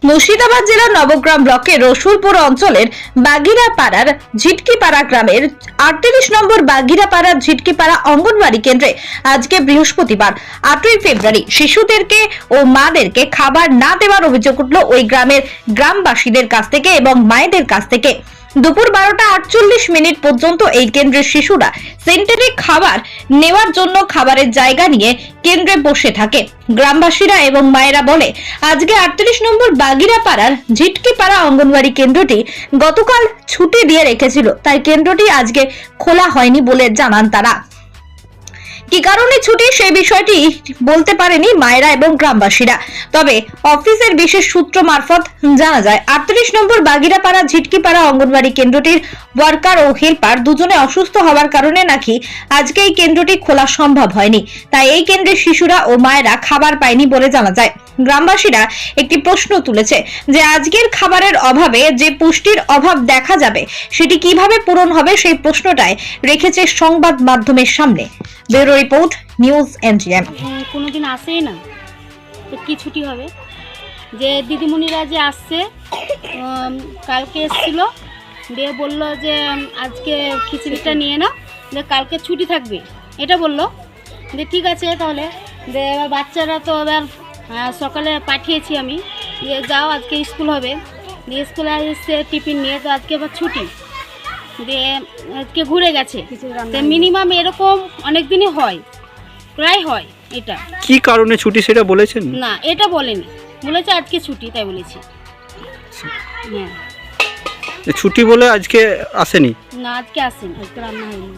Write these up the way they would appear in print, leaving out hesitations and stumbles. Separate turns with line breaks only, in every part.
মুর্শিদাবাদ জেলার নবগ্রাম ব্লকের রসুলপুর অঞ্চলের বাগিরাপাড়ার ঝিটকিপাড়া গ্রামের 38 নম্বর বাগিরাপাড়ার ঝিটকিপাড়া অঙ্গনওয়াড়ি কেন্দ্রে আজকে বৃহস্পতিবার 8ই ফেব্রুয়ারি শিশুদেরকে ও মাদেরকে খাবার না দেওয়ার অভিযোগ উঠল ওই গ্রামের গ্রামবাসীদের কাছ থেকে এবং মায়েদের কাছ থেকে। দুপুর 12:48 পর্যন্ত এই কেন্দ্রের শিশুরা সেন্টারে খাবার নেওয়ার জন্য খাবারের জায়গা নিয়ে কেন্দ্রে বসে থাকে। গ্রামবাসীরা এবং মায়েরা বলে আজকে 38 নম্বর বাগিরাপাড়ার ঝিটকিপাড়া অঙ্গনওয়াড়ি কেন্দ্রটি গতকাল ছুটি দিয়ে রেখেছিল, তাই কেন্দ্রটি আজকে খোলা হয়নি বলে জানান তারা। কি কারণে ছুটি সেই বিষয়টি বলতে পারেনি মায়েরা এবং গ্রামবাসীরা, তবে অফিসের বিশেষ সূত্র মারফত জানা যায় 38 নম্বর বাগিরাপাড়া ঝিটকিপাড়া অঙ্গনওয়াড়ি কেন্দ্রটির ওয়ার্কার ও হেল্পার দুজনে অসুস্থ হওয়ার কারণে নাকি আজকে এই কেন্দ্রটি খোলা সম্ভব হয়নি, তাই এই কেন্দ্রের শিশুরা ও মায়েরা খাবার পায়নি বলে জানা যায়। গ্রামবাসীরা একটি প্রশ্ন তুলেছে যে আজকের খাবারের অভাবে যে পুষ্টির অভাব দেখা যাবে সেটি কিভাবে পূরণ হবে, সেই প্রশ্নটাই রেখেছে সংবাদ মাধ্যমের সামনে। Bureau report, news NGM.
কোনোদিন আসেই না, তো কি ছুটি হবে? যে দিদিমণিরা যে আসছে, কালকে এসেছিল, দিয়ে বললো যে আজকে খিচুড়িটা নিয়ে নাও, যে কালকে ছুটি থাকবে এটা বললো। যে ঠিক আছে তাহলে, যে এবার বাচ্চারা তো এবার সকালে পাঠিয়েছি আমি, দিয়ে যাও আজকে স্কুল হবে, দিয়ে স্কুলে এসে টিফিন নিয়ে, তো আজকে এবার ছুটি দিয়ে আজকে ঘুরে গেছে। মিনিমাম এরকম অনেক দিনই হয়, প্রায় হয়। এটা
কি কারণে ছুটি সেটা বলেছেন?
না, এটা বলেনি, বলেছে আজকে ছুটি, তাই বলেছি। হ্যাঁ,
ছুটি বলে আজকে আসেনি?
না, আজকে আসেনি, আজকে রান্না হয়নি।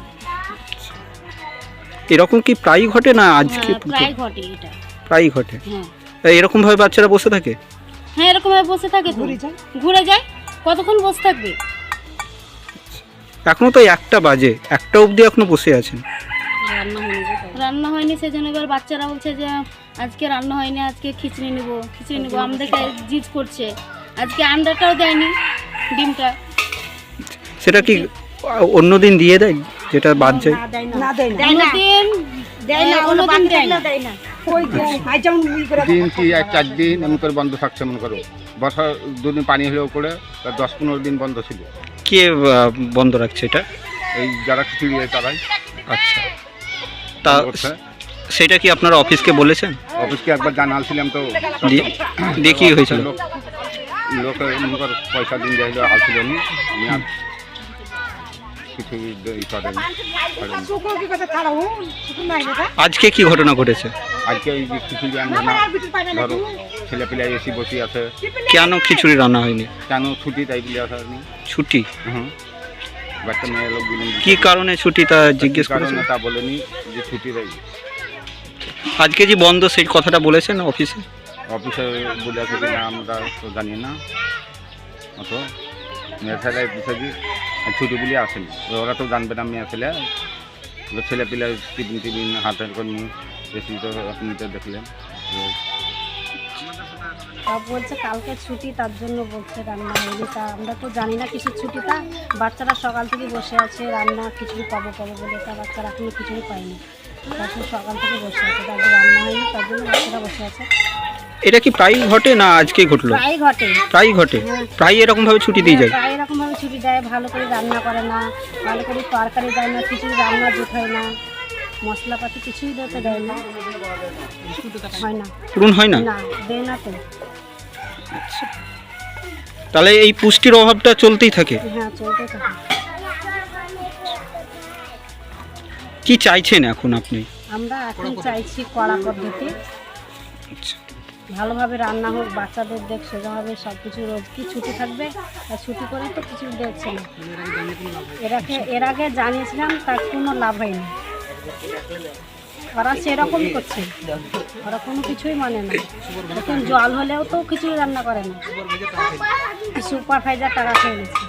এরকম কি প্রায় ঘটে না আজকে?
প্রায় ঘটে, এটা
প্রায় ঘটে।
হ্যাঁ,
এরকম ভাবে বাচ্চারা বসে থাকে?
হ্যাঁ, এরকম ভাবে বসে থাকে, ঘুরে যায়, কতক্ষণ বসে থাকবে?
এখনো তো 1টা বাজে, 1টা অবধি এখনো বসে আছেন।
রান্না হয়নি, সেজন্য এবার বাচ্চারা বলছে যে আজকে রান্না হয়নি, আজকে খিচুড়ি নেবো, আমাদেরকে জিদ করছে। আজকে আন্ডাটাও দেয়নি, ডিমটা।
সেটা কি অন্যদিন দিয়ে দেয় যেটা বাদ যায়?
দিন কি 4 দিন এমন করে বন্ধ থাকছে, মনে করো বর্ষার 2 দিন পানি হলেও করে 10-15 দিন বন্ধ ছিল।
কে বন্ধ রাখছে এটা?
এই যারা খিচুড়ি তারাই।
আচ্ছা, তা সেটা কি আপনারা অফিসকে বলেছেন?
অফিসকে একবার জানালছিলাম, তো
দিয়ে কি হয়েছিল?
লোকে মনে করো পয়সা দিন দিয়ে আসছিল না, কিছু
আজকে কি ঘটনা ঘটেছে?
আজকে এই যে খিচুড়ি আনবে না, ধরো ছেলে পিলে এসে বসে আছে।
কেন খিচুড়ি রান্না হয়নি?
কেন ছুটি তাই বলে আসা হয়নি।
ছুটি?
বাচ্চা মেয়ে লোক দিলেন।
কি কারণে ছুটি তা জিজ্ঞেস করেছেন?
তা বলেনি যে ছুটি তাই।
আজকে যে বন্ধ সেই কথাটা বলেছেন অফিসে?
অফিসে বলে আছে কিনা আমরা তো জানি না, অত মেয়ে ছেলে বুঝেছি ছুটি বলে আসেনি, ওরা তো জানবে না। মেয়ে ছেলে ছেলে পিলে টিফিন হাতের করে নিয়ে বেশি, তো আপনি তো দেখলেন।
বলছে কালকে ছুটি, তার জন্য বলছে রান্না হয়নি। তা আমরা তো জানি না কিছু ছুটিটা, বাচ্চারা সকাল থেকে বসে আছে, রান্না খিচুড়ি পাবো বলে, তা বাচ্চারা এখনো খিচুড়ি পায়নি, তারপর সকাল থেকে বসে আছে, তারপর রান্না হয়নি, তার জন্য বাচ্চারা বসে আছে।
এটা কি প্রায় ঘটে না আজকে ঘটলো?
প্রায় ঘটে।
প্রায় ঘটে, প্রায় এরকম ভাবে ছুটি দিয়ে যায়।
প্রায় এরকম ভাবে ছুটি দেয়, ভালো করে রান্না করে না, ভালো করে তরকারি দেয় না, খিচুড়ি রান্না জুট হয় না, মশলাপাতি কিছুই দিতে দেয় না, হয় না,
পূরণ হয় না,
না দেয় না তো।
তাহলে এই পুষ্টির অভাবটা চলতেই থাকে?
হ্যাঁ, চলতে থাকে।
কি চাইছেন এখন আপনি?
আমরা এখন চাইছি কড়া পদ্ধতি, ভালোভাবে রান্না হোক, বাচ্চাদের দেখ সেভাবে সব কিছু। রোজ কি ছুটি থাকবে, আর ছুটি করে তো কিছু দেখছে না। এর আগে জানিয়েছিলাম, তার কোনো লাভ হয়নি। ওরা সেরকমই করছে, ওরা কোনো কিছুই মানে না। এখন জল হলেও তো কিছুই রান্না করে না, সুপারভাইজার টাকা খেয়ে গেছে।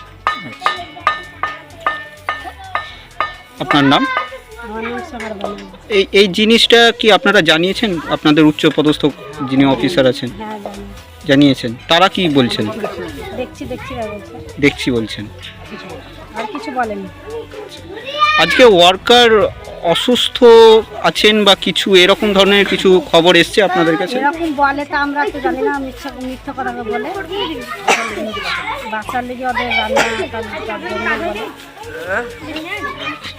আপনার নাম?
আমার নাম সোহার বানু।
এই জিনিসটা কি আপনারা জানিয়েছেন আপনাদের উচ্চ পদস্থ যিনি অফিসার আছেন?
হ্যাঁ,
জানিয়েছেন। তারা কি বলছেন?
দেখছি
বলছেন।
আর কিছু বলেনি।
আজকে ওয়ার্কার অসুস্থ আছেন বা কিছু এরকম ধরনের কিছু খবর এসছে আপনাদের কাছে?
এরকম বলে তো আমরা তো জানি না, মিথ্যা কথা বলে বাচ্চার লেগে ওদের রান্না তার জন্য বলে।